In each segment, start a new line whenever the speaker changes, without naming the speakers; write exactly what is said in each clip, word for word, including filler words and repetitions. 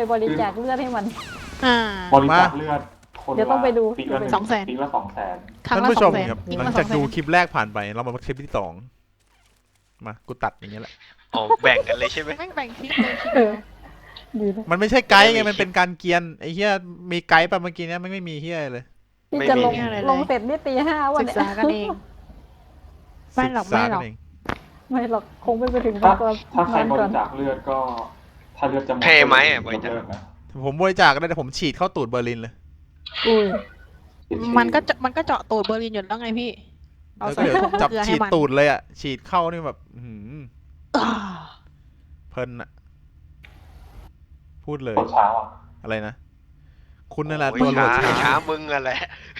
บริจาคเลือดให้มัน
อ่า
บริจาคเลือดคน
เดี๋ยวต้องไปดู
ปีละหนึ่ง
สองแสน
ปีละสองแสน
ครั้ง
ท่าน
ละ
ผู้
ส
ช
อง
ม
แสน
ครับ
ยิง
หลั
มาง ส
จา
อก งแส
ดู
น
คลิปแรกผ่านไปเรามาคลิปที่สองมากูตัดอย่างเงี้ยแหละ
อ๋อแบ่งกันเลยใช่ไหม
แม่งแบ่งคลิปเลยคลิป
เอ
เดี
อ
ยว
ดีนะ
มันไม่ใช่ไกด์ไงมันเป็นการเกียนไอ้เหี้ยมีไกด์ป่ะเมื่อกี้เนี้ยไม่ไม่มีเหี้ยเลย
ที่จะลงลงเสร็จนี่ตีห้าวัน
ศึก
เนี่ย
ษากันเองไม่หรอก
ศึ
ไม่
ษา
หรอก
นเอง
ไม่หรอกคงไม่ไปถึง
ถ้า
ตอน
ถ้าใคร
นอน
บ
ก่อ
ริ
น
จาคเลือดก็ ถ้าเลือดจะหมด
เพย์ไหมอ่ะบริจาค
เลิกนะ
ผมบริจาคก็ได้แต่ผมฉีดเข้าตูดเบอร์ลินเลย
อุ้ย
มันก็จะมันก็เจาะตูดเบอร์ลินอยู่แล้วไงพี่เอา
แล้ว
ใส่
ก็เดี๋ยว
ถุง
จับ
เกลือ
ฉี
ให้
ด
มัน
ตูดเลยอ่ะฉีดเข้านี่แบบอื้อหือ
อ่า
เพลินอ่ะพูดเลย
ตัวเช้าอ่ะ
อะไรนะคุณนั่นแหละ
โอ้ย
ตัวโหล
ช้า
ดช้า
ช้ามึงอะแหละ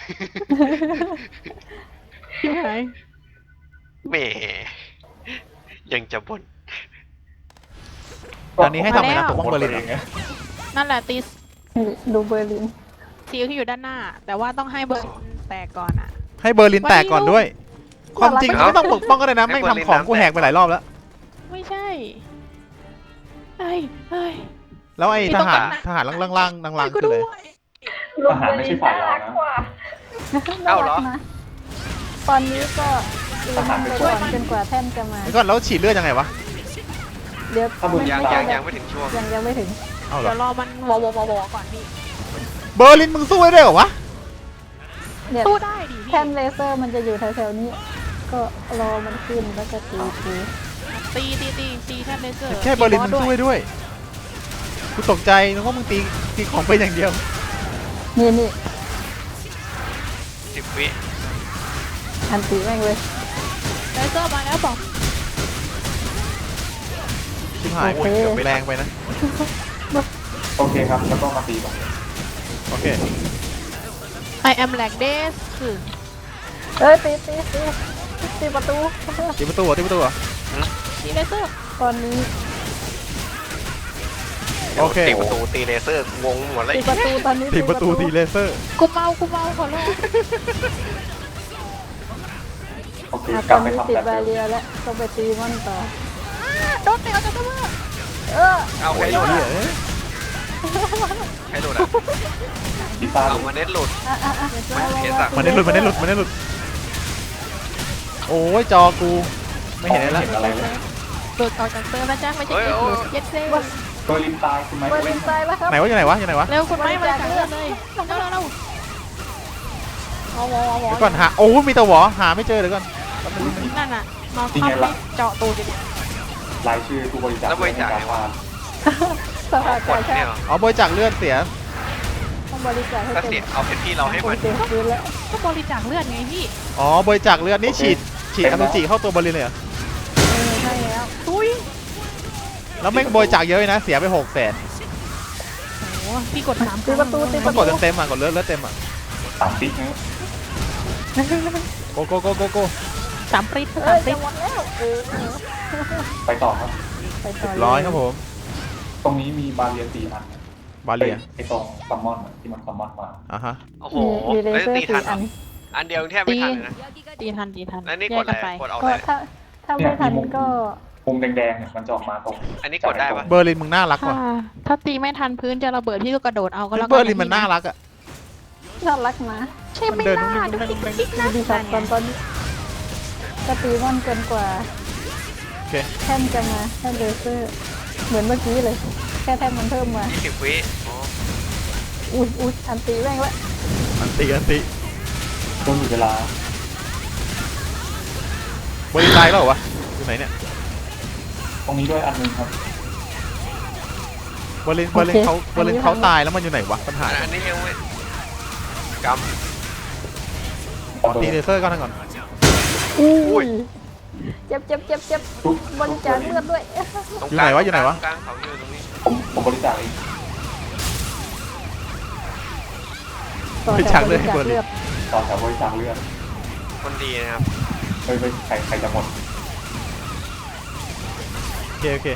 พี่หาย
แหมยังจะบ่น
ตอนนี้ให้ทำอะไรนะปกป้องเบอร์ลินเหรอ
นั่นแหละตี
ดูเบอร์ลิน
ซีลที่อยู่ด้านหน้า แต่ว่าต้องให้เบอร์ลินแตกก่อนอ่ะ
ให้เบอร์ลินแตกก่อนด้วย ความจริง
เอา
ไม่ต้องปกป้องก็ได้นะไม่งทำของกูแหกไปหลายรอบแล้ว
ไม่ใช่เฮ้ยเฮ้ย
แล้วไอ้
พี่
ท
ต้อง
หาร
การนะ
ทหารล่างๆล่างๆล่างๆ
กู
คือ
ด้
อะไร
วย
ทหารไม่ใช่ฝ่ายเรานะ
เอ้าเหรอ
นะตอนนี้ก็ตีมันไปก่อนจนกว่าแท่นจะมา
แล้วก็แล้วฉีดเลือดยังไงวะ
เดี๋ยว
ถ้าบุญ
ยัง
ไม่
ยัง
ไม่
ยังไม่ถึงช่วง
ยังยังไม่ถึง
เอาเหร
เดี๋
อ
ยวรอมันวอวอวอวอก่อนพี่
เบอร์ลินมึงสู้ได้เหรอวะ
เนี่ย
สู้ได้ดิพี่
แท่นเลเซอร์มันจะอยู่แถวๆนี้ ก็รอมันขึ้นแล้วก็ตีตี
ตีตีตีตีแท่นเลเซอร์
แค่เบอร์ลินมึง
ตี
สู้
บอส
ได้ด้วยกูตกใจนึกว่ามึงตีตีของไปอย่างเดียว
นี่นี่
สิบวิ
อันตีแม่งเลย
เลเซอร์มาแล้วบอก
ชิบหาย
โอเค
เกือบแรงไปนะ
โอเคครับ แล้วก็มาตีก่อน
โอเค
I am like this คือ
เอ้ยตีตีตีตีประตู
ตีประตูเหรอตีประตูเหรอ
ตีเลเซอร์
ตอนนี้
โอเค
ตีประตูตีเลเซอร์งงหมดเลย
ตีประตูตอนนี้
ตีประตูตีเลเซอร์
กูเมากูเมาขอร้อง
โอเค
อ่ะ
ก
ต
ลั
อบ น
ไป
นี้
ทำ
ติด
แบบ
บา
เดิ
เรีย
ม
แล้วต้องไปตีมันต่อ
โดนเตะเอาจากตัว
เออ
เอาใครหลุด
เหี้
อะ
ยเอ้ย
ใครหลุดอ่ะ
พิซซ่า
เอามาเน็ตหลุด
อ่ะอ่ะอ่ะ
มันเสียสัก
มันได้หลุดมันได้หลุดมันได้หลุดโอ้ยจอกูไม่เห็นอะไร
เห็น
ละ
อะไรเลย
หลุดออกจากเตอร์นะจ๊ะไม่ใช่เก็บหลุดเย็ดเซ่
โดยลินตายคุณไหม
เบอร์ลินตายแล้วครับ
ไหนวะอยู่ไหนวะอยู่ไหนวะ
เร็วคุณไม่มาจากเลือดเลยเร็วเร็วเร็วเอาวอวอวอ
เดี๋ยวก่อนหาโอ้มีแตะหวอหาไม่เจอเดี๋ยวก่อน
นั่นน่ะนอนคว่ำไม่เจาะตูดอยู่เนี่ย
รายชื่อผู้บริจาค
แล้วบริจาคไงวะ
สภาก
ก
า
ด
ชา
เนี่ย
ติ
เหรอ
อ๋อบริจาคเลือดเสีย
ต้องบริจาคให้
ถ้า
เต็
เสีย
ม
เอาเพชรพี่เราให้มัน
เต็มพื้นแล้ว
ก็บริจาคเลือดไงพี่
อ๋อบริจาคเลือดนี่ฉีดฉีดอสุจิเข้าตัวบอลลินเลยเหรอ
เออใช่แล้ว
ตุ้ย
แล้วแม่งบริจาคเยอะเลยนะเสียไปหกแสน
โอ้พี่กดสาม
ตีประตูตีป
ต้อ
ระ
ง
ตู
กดเต็มๆอ่ะกดเลือดเลือดเต็มอ่ะ
สามติ๊กนะ
โกโกโกโกโก
สามปริ๊ด
เอ้
สาย มปริ๊
จะ
ด
หมดแล้วเออ
ไปต่อครับ
ไปต่อ
ร้อยครับผม
ตรงนี้มีบาเรียสี่อัน
บาเลีย
ไอตรงซัมมอนอะที่มันซัมมอนมา
อ่ะฮะ
โอ้โห
มีมีเล
แล้ว
เซอร์
ตีทั
สี่
นเหร
อั
อน อันเดียวแทบไม่ทันเลยนะ
ตีทันตีทัน
แล้วนี่
แย
ก
ก
ด
กั
อะ
น
ไร
ไป
กดเอา
ก็
อะไร
ถ้าถ้าไม่ทันก็
มุมแดงๆเนี่ยมันจะออกมาตรง
อันนี้กดได้ปะ
เบอร์ลินมึงน่ารัก
ถ้า
ว่ะ
ถ้าตีไม่ทันพื้นจะระเบิดพี่ก็กระโดดเอาก็แล้วกัน
เบอร์ลินมันน่ารักอ่ะ
น่ารักนะ
ใช่ไหม
มันเดิน
ล่ะ
นุ่
ดู
มๆ
ติ๊กติ๊กนะ
ดีสัตว์ตอนตอนนี้ก็ตีมันเกินกว่า
โอเค
แท่นจะมาแท่นเลเซอร์ เหมือนเมื่อกี้เลย แค่แท่นมันเพิ่มมา
ยี่สิบวิอ๋อ
อุ้ยอุ้ยอันตีแม่งละ
อันติอันติ
ช่วงอยู่เวลา
เบอร์ลินตายแล้วเหรอวะอยู่ไหนเนี่ย
ตรงนี้ด้วยอันหนึงครับ
เบอร์ลินเบอร์ลินเขาเบอร์ลินเขาตายแล้วมันอยู่ไหนวะปัญหา
อันนี้ยังไม่ก
ขอตีเลเซอร์ก่อนก่อน
อุ้ยเจ็บเจ็บเจ็บเจ็บ
ทุก
บริจาคเลือดด้วย
ำตรง
อยู่
ก
ไหน
ลาง
วะอยู่ไหนวะ
กลางเขาอยู่ตรงนี้
ผมผมบริจาคเอง
ต่อบ
ริจาคเลือดให้เบอร์ลิน
ต่อแถวบริจาคเลือด
คนดีนะครับ
เฮ้ยเฮ้ยใครใครจะหมด
โอเคโอเค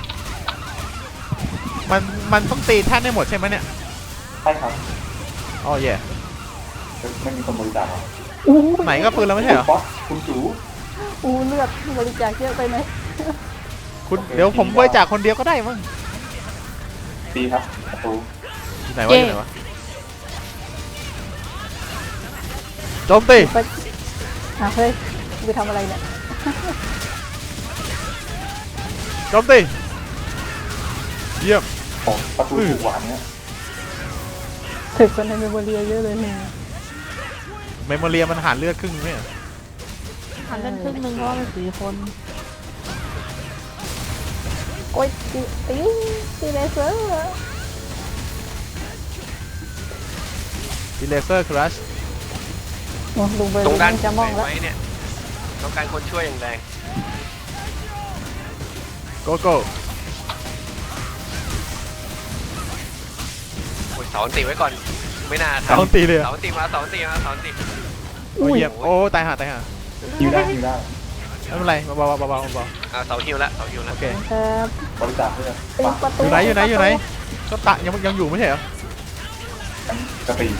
มันมันต้องตีแท่นได้หมดใช่ไหมเนี่ย
ใช่ครับ
อ๋อแย่
เฮ้ยไม่มีคนบริจาคหรอ
อู้
ไหนก็ปืนแล้วไม่ใช่เหรอ
คุณป๊อตคุณจู
อู้เลือดบริจาคเยอะไปไหม
คุณเดี๋ยวผมบริจาคคนเดียวก็ได้มั้ง
ตีครับประตู
อยู่ไหนวะอยู่ไหนวะโจมตี
ไปอ่ะเฮ้ยไปทำอะไรเนี่ย
โจมตีเยี่ยม
โอ้ประตูถูกหวานเนี่ย
ถึกคนในเมมโมเรียเยอะเลยเนี่ย
เมมโมเรียมันหารเลือดครึ่งไหมอะ
หันเล่นครึ่งหนึงเพราะว่ามันสี่คน
โอ้ยตีตีตีเลเซอร์
ดีเลเซอร์ครัช
โอ้ลุงเบอร์
ตรงด้าน
จะมองแล้ว
ไว้เนี่ยต้องการคนช่วยอย่างแรง
โกโก้
โอ้ยเสาอันติไว้ก่อนไม่น่า
เสา
ทำ
ตีเลยอะ
เสาอันติมาเสาอันติมาเสาอันติ
โอ้ยเยี่ยมโอ้ตายห่าตายห่า
ยิวได้ยิวได้
ไม่เป็นไรเบาๆเบาๆเบาๆเบา
อ่าเสาฮิวแล้วเสาฮิว
ๆ
แล้
โอ
ว
เค
ครับ
บริจาคเพื่อน
ตี
ปัก
ประตู
อยู่ไหนอยู่ไหนอยู่ไหนก็ตะยังยังอยู่ไม่ใช่เหรอ
กันกระตี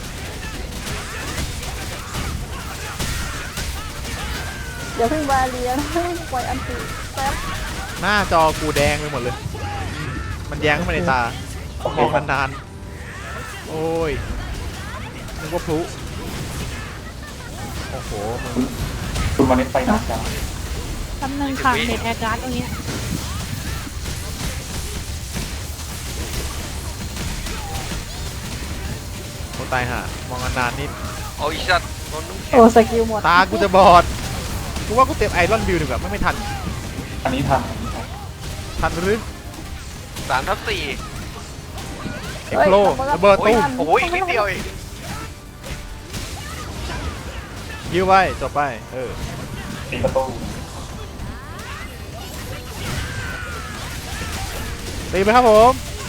อย่าเพิ่งบาเรียนปล่อยอันตีแป๊บ
หน้าจอกูแดงไปหมดเลย มันแย้งเข้ามาในตา
โอเค
มอง
ครับ
นานๆโอ้ยนึกว่าพลุโอ้โหมึง
คุณวันนี้ไปนะจ๊ะ
ตำแหน่งค่ะเน็ตแอร์การ์ดตรงเนี้ย
โอ้ตายห่ามองนานๆนิด
โอ้ยชัดโดนน้ำแข็ง
โอ้สกิลหมด
ตากูจะบอดกูว่ากูเต็มไอรอนบิลดีกว่าไม่ไม่ทัน
อันนี้ทันอันนี้ทัน
ทันหรือ
สามทับสี่
เอ็กโลระเบิด
โอ้ย
ตู้ม
โอ้ยอีกนิดเดียวเอง
ยิ้วไว้จบไปเออ
ตีประตู
ตีไปครับผม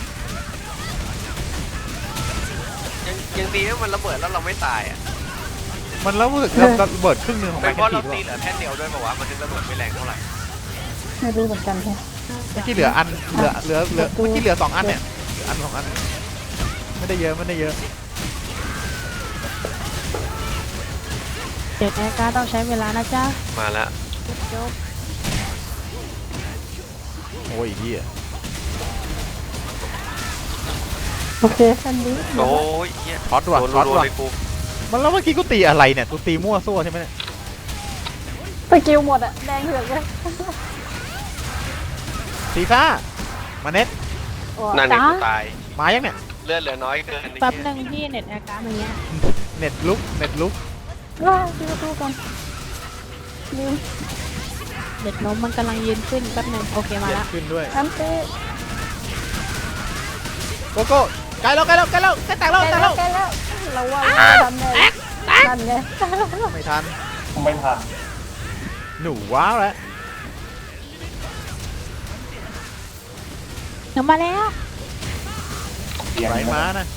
ยังยังดีว่ามันระเบิดแล้วเราไม่ตายอ่ะ
มันแล้วรู้สึกระระเบิดครึ่งหนึงของ
เป็
แม็
น
ก
เพราะ
กี้
เรา
ด้วย
ตีเหลือแท่นเดียวด้วยป่าวะมันถึงระเบิดไม่แรงเท่าไหร่
ไม่รู้เหมือนกันใช่
เมื่อกี้เหลืออันเหลือเหลือเหลือเมื่อกี้เหลือสองอันเนี่ยเหลืออันสองอันไม่ได้เยอะไม่ได้เยอะ
เน็ตแอร์การ์ดต้องใช้เวลานะจ๊ะ
มาแล้ว
จบ
โอ้ยเฮีย
โอเคอันนี้
โอ้ยเฮีย
ช็อตว่ะ
โดน
ช็อต
รัวๆ
ว่ะ
เลยกู
มันแล้วเมื่อกี้กูตีอะไรเนี่ยกูตีมั่วซั่วใช่ไหมเนี่ย
สกิลหมดอะแดงเหือกเลย
ตีซ่ามาเน็ต
โอ้
นั่นไง
จ้า
กูตาย
มายังเนี่ย
เลือดเหลือน้อยเกิน
แป๊บหนึ่งที่เน็ตแอร์การ์ดตรงเนี้ย
เน็ตลุกเน็ตลุก
ว้าตีประตูก่อนลืม
เน็ตล้มมันกำลังยืนขึ้นแป๊บหนึ่งโอเคมา
เย็น
ละ
ขึ้นด้วย
อันตี
โกโก้ใกล้แล้วใกล้แล้วใกล้แล้วใกล้แตกแล้ว
ใกล้
แตก
แล้
แล้ว ว
ใกล้แล้วเราว่าเราทำไงนั่นไง
ไม่ทัน
ไม่ทัน
หนูว้าวแล้ว
เดี๋ยวมาแล้ว
เตียง
ไหลม้านะ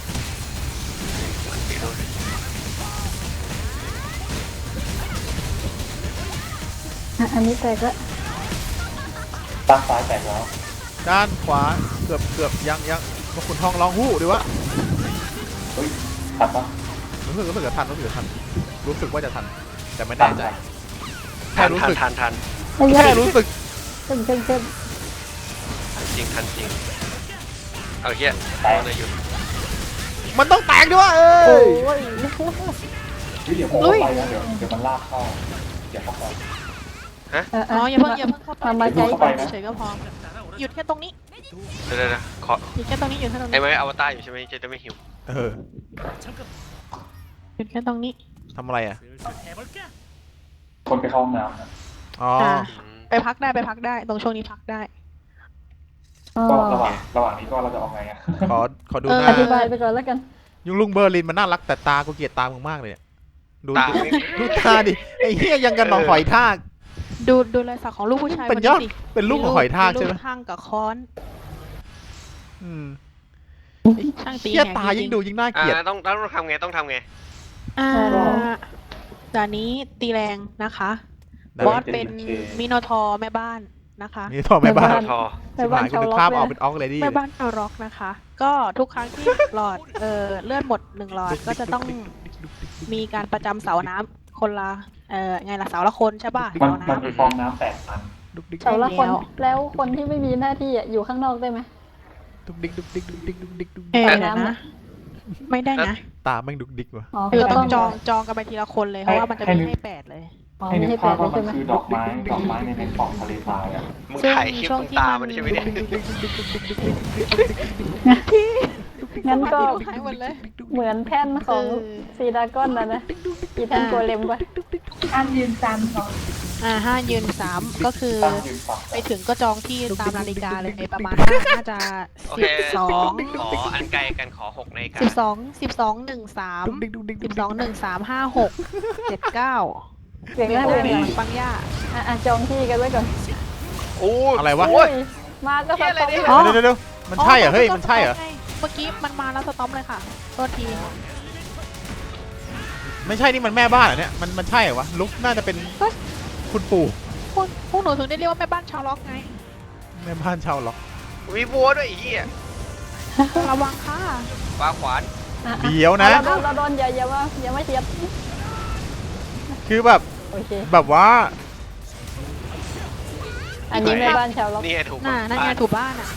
อ่ะอันนี้แตกแล้ว
ด้านซ้ายแตกแล้ว
ด้านขวาเกือบเกือบยังยังมาขุนทองร้องฮู้ดีวะ
เฮ้ยทันปะ
รู้สึกรู้สึกจะทันรู้สึกจะทันรู้สึกว่าจะทันแต่ไม่แน่ใจแค่
ทัน
รู้
ทัน
สึก
ทันทัน
ไม่ใช่
แค่รู้สึก
เข้มเข้มเข้ม
ทันจริงทันจริงเอาเฮีย
แตก
โดนเลยหยุด
มันต้องแตกด้วยเอ้
โอ้
ย
ย
เฮ้ยเดี๋ยวผมเข้าไปนะเดี๋ยวเดี๋ยวมันลากเข้าเดี๋ยวเข้าไป
อ๋ออย่าเพิ่งอย่าเพิ่งเข้าไป
ทำมาใจ
เข้าไปนะ
เฉยๆก็พอหยุดแค่ตรงนี้
เดี๋ยวเดี๋ยวเดี๋ยวขอ
หยุดแค่ตรงนี้หยุดแค่ตรง
ไอ้
นี้
ไม้อวตารอยู่ใช่ไหมจะจะไม่หิว
เออ
หยุดแค่ตรงนี้
ทำอะไรอ่ะ
คนไปเข้าห้องน้ำนะ
อ๋อ
อ่า
อืม
ไปพักได้ไปพักได้ตรงช่วงนี้พักได้
อ๋อ
ก็ระหว่างระหว่างนี้ก็เราจะเอาไงอะ
ขอขอดู
เออ
ห
อ
น้า
ธิบายไปก่อนแล้วกัน
ยุงลุงเบอร์ลินมันน่ารักแต่ตากูเกลียดตามึงมากเลยเนี่ยดู
ตา
ดู
ไม่
ดูตาดิไอ้เหี้ยยังกันหนองหอยทาก
ดูดูรอยสักของลูกผู้ชาย
เป็น
คน
ยอด
สิ
เป็นลูกของหอยทากใช่ไหม
ลูกทางกับค้อน
อืม
ช่างตี
เหี้ย
แหก
ตา
จริ
ยิ่
ง
งดูยิ่งน่าเกลียด
อ่าต้องต้องทำไงต้องทำไง
อ่าด่านนี้ตีแรงนะคะ
ด่านนี้
บอสเป็นมิโนทอร์แม่บ้านนะคะ
นี่ทอแม่บ้าน
ทอ
ไป
ชิบ
บ้า
หาน ยกู
ชาว
นึก
ล็อก
ภาพ
เล
ออก
ย
เป็นออกเลยดิ
แม่บ้านชาวร็อกนะคะ ก็ทุกครั้งที่ หลอดเอ่อเลือดหมดหนึ่งหลอดก็จะต้องมีการประจำเสาน้ำคนละเอ่อไงล่ะเสาละคนใช่ป่ะ
มัน
เสา
มัน
น้ำ
มีฟองน้ำแตกพัน
ดุกดิก
เสาละคน
แล้ว
แล้วคนที่ไม่มีหน้าที่อะอยู่ข้างนอกได้ไหม
ดุกดิกดุกดิกดุกดิกดุกดิกดุก
เอ
ดิก
อ
ไป
เดี๋ยว
น้ำ
นะ
อะ
ไม่ได้นะ
ตาแม่งดุกดิกว่ะ
อ๋อ
คือต้องจอง
ให้
จองกันไปทีละคนเลยเพราะว่ามันจะมีให้แปดเลย
อ๋อ
ให้
ไม่
นึก
ให้แป
ภาพ
ดเล
ว่าย มั
ใช่
น
ไหม
คือดอกไม้ดอกไม้ในในปล่องทะเลทรายอ่ะ
มึงถ่ายคลิปตรงตามันใช่ไหมเนี่ย
งั้นก็
หายหมดเลย
เหมือนแท่นของซีดากอนนะนะอีแท่นโกเลมปะ
อันยืนจันทร์ก่อน
อ่าห้ายืนสามก็คือ
ตั้งยืนฝัก
ไปถึงก็จองที่ตามนาฬิกาเลยประมาณน่าน่าจะ
โอ
สิ
เค
บสอง
ขออันไกลกันขอหกนาฬิกา
สิบสองสิบสองหนึ่งสามสิบสองหนึ่งสามห้าหกเจ็ดเก้า
เสียง
มี
น่า
โอ
เล่น
มี
หน่อย
ปังย่า
อ่ะอ่ะจองที่กันไว้ก่อน
โอ้ย
อะไรวะ
โอ้ย
มาก็ส
เหี้ยอะไร
ต็อป
เนี่ย
เลย
เดี๋ยวเดี๋ยวเดี๋ยวมันใช่เหรอเฮ้ยมันใช่เหรอ
เมื่อกี้มันมาแล้วสต็อปเลยค่ะโทษที
ไม่ใช่นี่มันแม่บ้านเหรอเนี่ยมันมันใช่เหรอวะลุกน่าจะเป็นคุณปู่
พวกพวกหนูถึงได้เรียกว่าแม่บ้านชาวล็อกไง
แม่บ้านชาวล็อก
มีบัวด้วยไอ้เหี้ย
ระวังค่ะ
ปลาขวาน
อ่ะ
เดี๋ยวนะ
เราโดนเราโดนอย่าอย่าว่าอย่ามาเทียบ
คือแบบ
โอเค
แบบว่า
อันนี้แม่บ้านชาวล็อก
นี่ไงถูก
น่านั่นไงถูกบ้านอ่ะ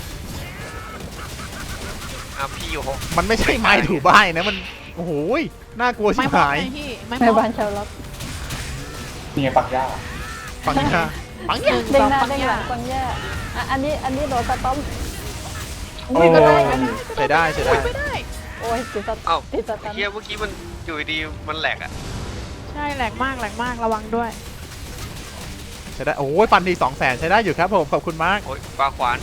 อ่ะพี่อยู่หก
มันไม่ใช่ไม้ถูบ้านนะมันโอ้โหยน่ากลัวชิ
ไม่
บ
มอง
หาย
ไงพี่ไม่ม
แม่
อง
บ้านชาวล็อก
นี่ไงปักหญ้า
ปังยาปัง
ห
ยา
นึ่ง
เด้
ส
ง
อง
หน้า
ปัง
เด้งห
ย่า
ลังฟังแย่อ่ะอันนี้อันนี้โดนสต็อป
โอ้ใช้ได้ใช้ได้
ไม่ได้
โอ้ยติดสต็
เอ้า
อปติดส
ไอ้
ตัน
เหี้ยเมื่อกี้มันอยู่ดีๆมันแหลกอ่ะ
ใช่แหลกมากแหลกมากระวังด้วย
ใช้ได้โอ้ยปันทีสองแสนใช้ได้อยู่ครับผมขอบคุณมาก
โอ้ยปลาขวาน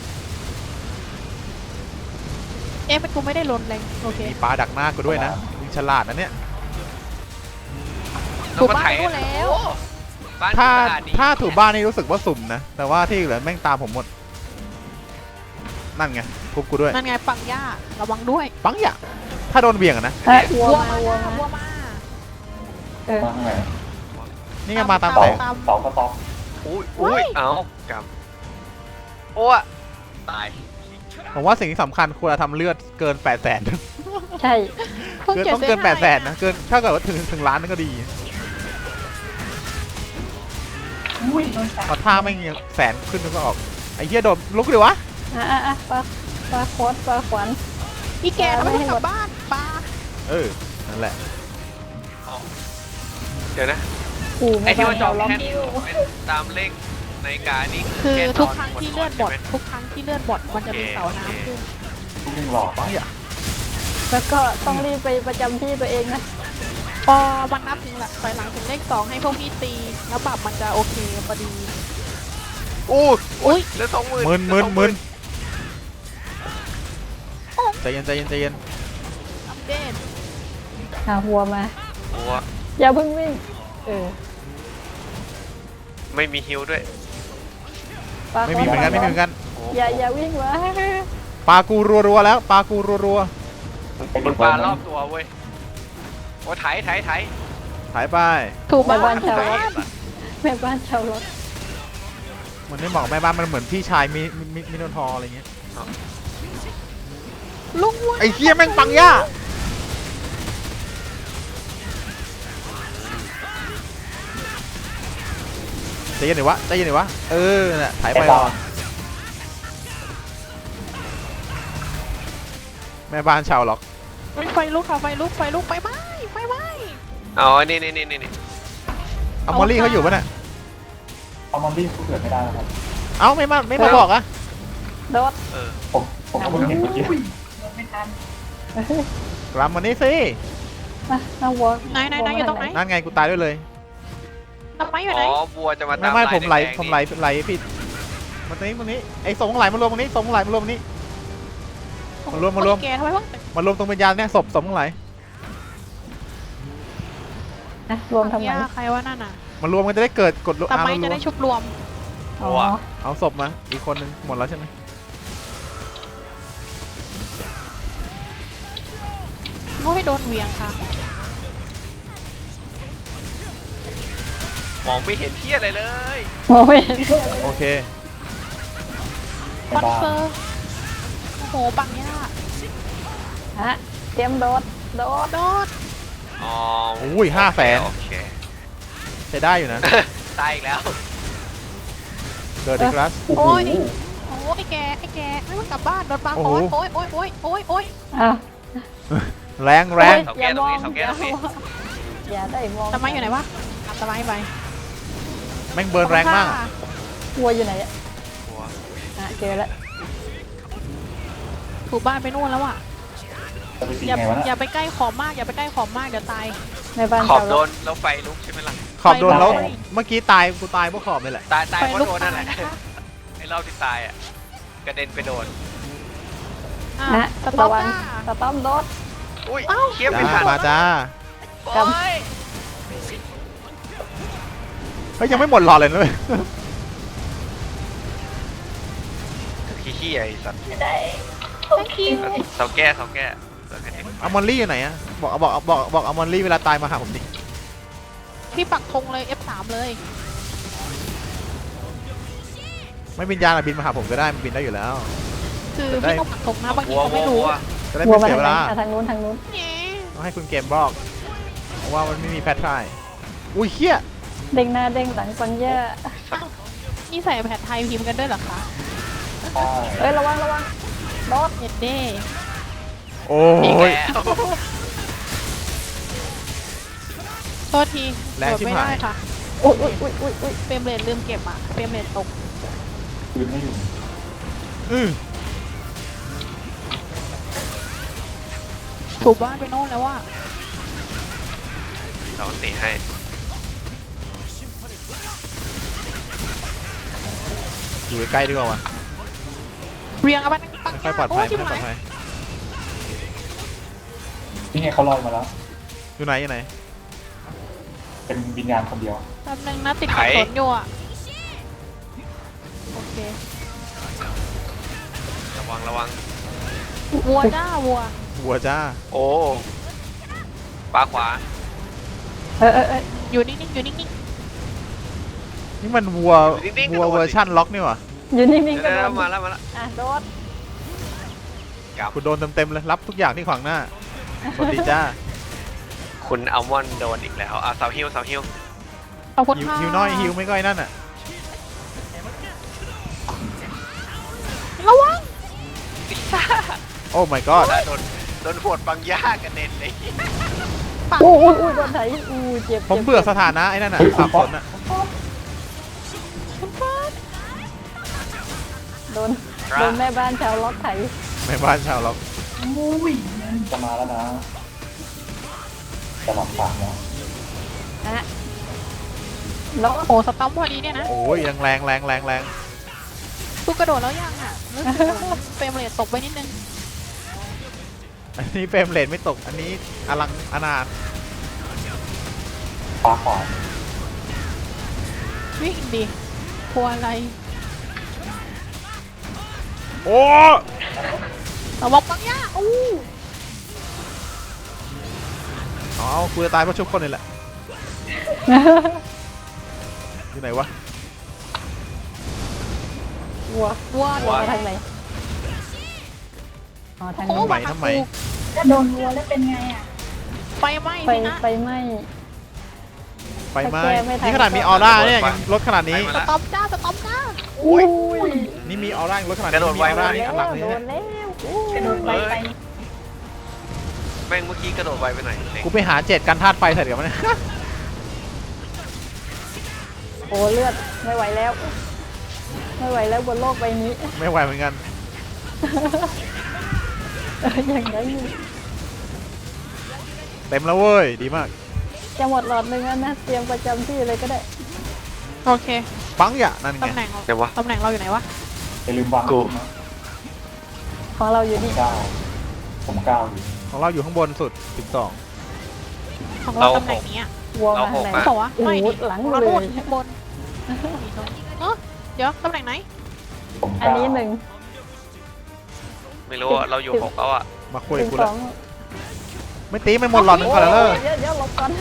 เอ๊ะเป็นกูไม่ได้ลนแรงโอเค
มีปลาดักหน้ากูด้วยนะมึงฉลาดนะเนี่ย
ถูกบ้านรู้แล้ว
โอ้บ้าน
ถ้า
สะอาดดี
ถ้าถูบ้านนี่รู้สึกว่าสุ่มนะแต่ว่าที่เหลือแม่งตามผมหมดนั่นไงทุบกูด้วย
นั่นไงปังย่าระวังด้วย
ปังยาถ้าโดนเบี่ยงอะนะ
เอ้ยวัวมาวัวมา
วัวมา
เออ
มาข้างไหน
นี่ไงมาตาม
เสา
แสง
เสาสต็อป
อุ้ยอุ้ยเอ้ากำโอ้อะตาย
ผมว่าสิ่งที่สำคัญควรจะทำเลือดเกินแปดแสน
ใช่
พิ่
เกิน
จ็ด
ต้องเกิน
ซ
แป
ห้า
ดแสนนะเกินถ้าเกิดว่าถึงถึงล้านนั่นก็ดี
อุ้ยโดนแสง
พอท่าไม่งยังแสนขึ้นนึงก็ออกไอ้เหี้ยโดนลุกเลยวะ
อ่ะอ่ะอ่ะปลาปลาโคตรปลาขวัญ
อีแกทำไมไม่กลับบ้านปลา
เออนั่นแหละ
เดี๋ยวนะ
ขู่
ไอ้
แม่
ที่
บ้า
ว่าน จอ
ชาง วล็อก
แค่เป็นตามเลขนาฬิกานี่
คือ
แ
ทุกครั้งที่
น
เลือดหมด
ใช่ไ
ทุกครั้งที่เลือดหมดมันจะมีเสาน้ำขึ้น
ทุกยิงหลอด
ปังยา
แล้วก็ต้องรีบไปประจำที่ตัวเองนะ
พอมันนับถึงหลักถอยหลังถึงเลขสองให้พวกพี่ตีแล้วปรับมันจะโอเคพอดี
อู้
อุ้ย
เหลือสองหมื่น
มึนมึนมึนใจเย็นใจเย็นใจเย็น
อัปเดต
อ่ะวัวมา
บัว
อย่าเพิ่งวิ่ง เออ
ไม่มีฮิวด้วย
ปลา
ไม่มีเหมือนกันไม่มีเหมือนกัน
โอ้
อย่าอย่าวิ่งวะ
ปลากูรัวๆแล้วปลากูรัว
มันปลารอบตัวเว้ยโอ้ไถไถไถ
ๆถ่ายไป
ถูก
แม่
บ้า
บ้าน
น
ชาว
ไถ
ล็อกแม่บ้านชาวล็อก
มันไม่เหมาะกับแม่บ้านมันเหมือนพี่ชายมิมิมิมิโนทอร์อะไรเงี้ย
ลุงวัว
ไอ้เหี้ยแม่งปังย่าใจเย็นหน่อยวะใจเย็นหน่อยวะเออน่ะถ่ายไป
ไอ้
ร
บอ
อ
ล
แม่บ้านชาวล็อก
ไฟลุกค่ะไฟลุกไฟลุกไฟไหม้ไฟไหม้
เอาอันนี่นี่นี่นี่
เอามอลลี่เขาอยู่ปะเนี่ย
เอามันรีบเกิดไม่ได้แล้วครับ
เอ้าไม่มาไม่มาบอกอะ
โดด
เออ
ผมผมก็เพิ่งเห็นเมื่อกี้
อุ้ยโดนไม่ทัน
กลับมานี่สิ
มาเอาวัว
ไหนไหนไหนอยู่ตรงไหน
นั่นไงกูตายด้วยเลย
ทำไมอยู่
อ๋
ไหน
อบัวจะมา
ไม่
ตาม
ไม่
ลาย
ผมไหล
แดงๆ
ผมไหลไหลผิดมาตรงนี้ตรงนี้ไอ้สงไหลมารวมตรงนี้สงไหลมารวมตรงนี้ มารวมมารวม
แกทำไมเพิ่ง
มารวมตรงวิญญาณเนี่ยศพสงไหล
นะรวมทำไม
ยาใครว่านั่นน่ะ
มารวมกันจะได้เกิดกด
ทำไม
อ่ารว
จะ
ม
ได้ชุบรวม
อ๋อ
เอาศพมาอีกคนนึงหมดแล้วใช่ไหม
โอ้ยโดนเหวียงค่ะ
มองไม่เห็นเที่ยอะไรเลย
มองไม่เห็น
โอเค
คอนเฟิร์มโอ้โหปังย่า
ฮะเตรียมโดดโดด
โดด
อ๋อ
อุ้ยห้าแสน
โอเค
ใช้ได้อยู่นะ
ตายอีกแล้ว
เกิดอีกแล้ว
โอ้โห
โอ้ยโอ้ยไอ้แกไอ้แกไม่มันกลับบ้านโดนปลา
โอ้
ค
โห
อนโอ้ยโอ้ยโอ้ยโอ้ยโอ้ย
อ้าว
แรงแรง
เสาแก้ตรงนี้เสาแก้ตรงนี้
อย่าได้มอง
สมัยอยู่ไหนวะตามสมัยไป
แม่งเบิร์นแรงมาก
วัวอยู่ไหนอะ
หัว
อ่ะเจอแล้ว
ถูกบ้านไปนู่นแล้วอ่ะ
จะไปตี
อย่า
ไงวะ
อ
น่ะ
ย่าไปใกล้ขอบมากอย่าไปใกล้ขอบมากเดี๋ยวตาย
ในบ้าน
ขอบ
เจ้า
โด
แล้ว
นแล้วไฟลุกใช่ไหมล่ะ
ขอบโดนแล้ว
ไป
เมื่อกี้ตายกูตายเพราะขอบนี่แหละ
ตายตาย
ไฟ
เพราะ
ลุก
โดนนั่นแห
ตาย
ละ
นะคะ
ไอ้รอบที่ตายอ่ะกระเด็นไปโดน
อ่ะ
นะ
สต็อ
ระ
ป
วัง
จ้า
สต้อมรถ
อุ้ยเคียบไม่
จ้า
ทัน
มาจ้า
โอ้ย
เฮ้ยยังไม่หมดหลอดเลยนะเลย
ขี้ๆไอ้สัตว์
ได้
thank you
เสาแก้เสาแก้เสาแก้
อมอนลี่อยู่ไหนอะบอกบอกบอกบอกอมอนลี่เวลาตายมาหาผมดิ
พี่ปักธงเลย เอฟ สาม เลย
ไม่บินยานอะบินมาหาผมก็ได้มันบินได้อยู่แล้ว
คือ
ได้
พี่ต้องปักธงนะบางที
วัว
เขา
วั
ไม่
ว
รู้
วัว
จะได้
วัว
ไม่
มา
เสีย
ทาง
เว
ไหน
ลา
อ่ะทางนู้นทางนู้น
แหน่
ต้องให้คุณเกมบอกเพราะว่ามันไม่มีแพทไทร์อุ้ยเฮี้ย
เด้งหน้าเด้งหลังปัญญา
นี่ใส่แผ่นไทยพิมพ์กันด้วยเหรอคะ
ใช่
เอ้ยระวังระวังรถ
เน็ตเด้
โอ้
อีก
ย
แล้ว
โทษที
แรง
เปิด
ชิบ
ไม่
หาย
ได้ค่ะ
อุ้ยอุ้ยอุ้ยอุ้ยอุ้ย
เฟรมเรทลืมเก็บอ่ะเฟรมเรทตก
คืนไม่อยู่
อือ
ถูกบ้านไปโน่นแล้วว่า
เราตีให้
อยู่ใกล้ๆดีกว่าวะ
เรียงเอาไปปัง
ไม่ค่อยปลอดภัย
โชิบ
ไม่ค่อยปลอด
หาย
ภัย
นี่ไงเขาลอยมาแล้ว
อยู่ไหนอยู่ไหน
เป็นวิญญาณคนเดียว
แป๊บนึงนะติดขัดสนอยู่อ่ะโอเค
ระวังระวัง
วัวจ้าวัว
วัวจ้า
โอ้ปลาขวา
เออเออเออ
อยู่นิ่งๆอยู่นิ่ง
นี่มันวัววัวเวอร์ชั่นล็อกนี่หว่า
อยู่นิ่ง
เดี๋ยว
ๆก็
เดี๋
โด
ยวน มาแล้วมาแล้ว
อ่ะโดน
คุณโดนเต็มๆเลยรับทุกอย่างที่ขวางหน้าสวัสดีจ้า
คุณอัลมอนด์โดนอีกแล้วอ่ะเสาฮิวเสาฮิว
ๆขอบคุณ
ฮิว
ค่ะ
ฮิวน้อยฮิวไม่ก้อยนั่นอ่ะ
ระวัง
โอ้ my god
โดนโดนหวดบางย่ากระเด็นเลย
ปัง
อู้อู้อู้โดนไถอู้เจ็บ
ผม
จ็บ
เบื่อสถานะไอ้นั่นน่ะสับสนอ่ะ
โดนโดนแม่บ้านชาวล็อกไถ
แม่บ้านชาวล็อก
อุ้ย
จะมาแล้วนะ จะหลับปากแล้ว
อ่ะแล้ว
โอ้สตัมพอดีเนี่ยนะ
โอ้ยยังแรงแรงแรงแรง
กูกระโดดแล้วยังอ่ะรู้สึกเฟรมเรทตกไปนิดนึง
อันนี้เฟรมเรทไม่ตกอันนี้อลังอนาถ
ปลาขวา
วิ่งดิกลัวอะไร
โอ้
ระวังปังย่าอู้
เอากูจะตายเพราะชุบคนนี่แหละอยู่ไหนวะ
วัว
วัว
วัวทางไหนอ๋อทาง
โอ้
นู้น
ทำไมทำไม
ถ้าโดนวัวแล้วเป็นไงอ่ะ
ไฟไหม้
ไฟ
สินะ
ไฟไหม้
ไฟไหม้
ถ้าแก้ไม่ทัน
นี่ขนาดมีออร่าเนี่ยยังลดขนาดนี้
สต็อปจ้าสต็อปจ้า
อุ้ย
นี่มีออร่ายังลดขนาด
กระโดดไว
มีออร่า
มาก
นี่
แล้
อันหลัง
ว
นี่
โด
เนี่ย
นแล้วอู้
กระโดดไปไป
แม่งเมื่อกี้กระโดดไวไปหน่อยเด็ก
กูไปหาเจ็ดกันธาตุไฟใส่เดี๋ยวมัน
โอ้เลือดไม่ไหวแล้ว ไม่ไหวแล้วบนโลกใบนี้
ไม่ไหวเหมือนกัน
เอออย่างนั้น
เต็มแล้วเว้ยดีมาก
จะหมดหลอดหนึ่งแล้วนะเตรียมประจำที่เลยก็ได้
โอเค
ปังอย่านั่นไง
ตำแหน่ง
เดี๋ยววะ
ตำแหน่งเราอยู่ไหนวะ
อย่าลืมวาง
กู
นะ
ของเราอยู่
ผม
นี่
เก้าผมเก้าอยู่
ของเราอยู่ข้างบนสุดสิบสอง
ของเราตำแหน่งนี้อะ
วัวมาทางไหน
เขาบอกว่า
โอ้
ไม่
โห
ดิ
หลัง
เรา
เล
โน่น
ย
ข้างบนเออเดี๋ยวตำแหน่งไหน
ผม
อัน
เก้า
นี้หนึ่ง
ไม่รู้อะเราอยู่หกแล้วอ่ะ
มาคุย
ถึง
กู
ส
แล้
อ
ว
ง
ไม่ตีไม่หมดหลอดหนึ่งก่อนแล้วเด้อ
เดี๋ยวเดี๋ยวหลบก่อน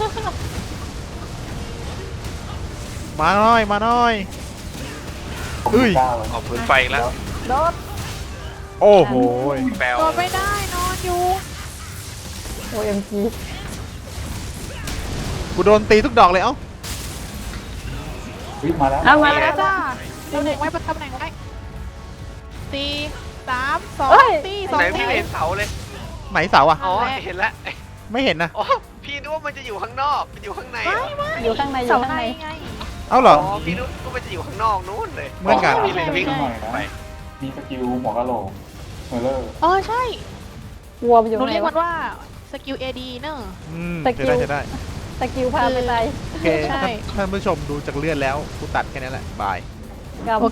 มาหน่อยมาหน่อย
ผม
อุ้ย
เก้าเลย
ออกพื้นไฟอีกแล้ว
โดด
โอ้โห
แปลว
โดนไม่ได้นอนอยู่
โอเอ็มจี
กูโดนตีทุกดอกเลยเอ้า
วิ่งมาแล้ว
เอามา
มา
แล้
แล้ว ว
จ้า
จ้าตำแหน่งไว้ตำแหน่งไว้สี่สามสอง
เฮ้ย
สี่ส
ตร
อง
ไหน
สี่
ไม่เห็นเสาเลย
ไหนเสาอะ
อ๋อเห็นแล้ว
ไม่เห็นนะ
อ๋อพี่นึกว่ามันจะอยู่ข้างนอกมันอยู่ข้างใน
ไม่
เหรอ
ไม่
อยู่ข้างในอ
เสา
ยู่ข้าง
ใน
ใน
ไง
เอ้าเหร
อ๋
อ
อพี่นึกว่ามันจะอยู่ข้างนอกนู้นเลย
เหมือนกัน
พี่เลยวิ่ง
ไม่ใช่
หน่อยนะ
ไป
มีสกิลหัวกะโหลกเฮอร์เลอร์
เออใช่
วัวไปอยู่
หนู
ไหน
เรียก
วะ
มันว่าสกิลเอดีเนอะ
อืม
ตะกิ้
ใช่
ว
ได้ใช่ได้
สกิลพาไปตาย
โอเค
ใช่
ท่านท่านผู้ชมดูจากเลือดแล้วกูตัดแค่นี้แหละบาย
กับ
โอ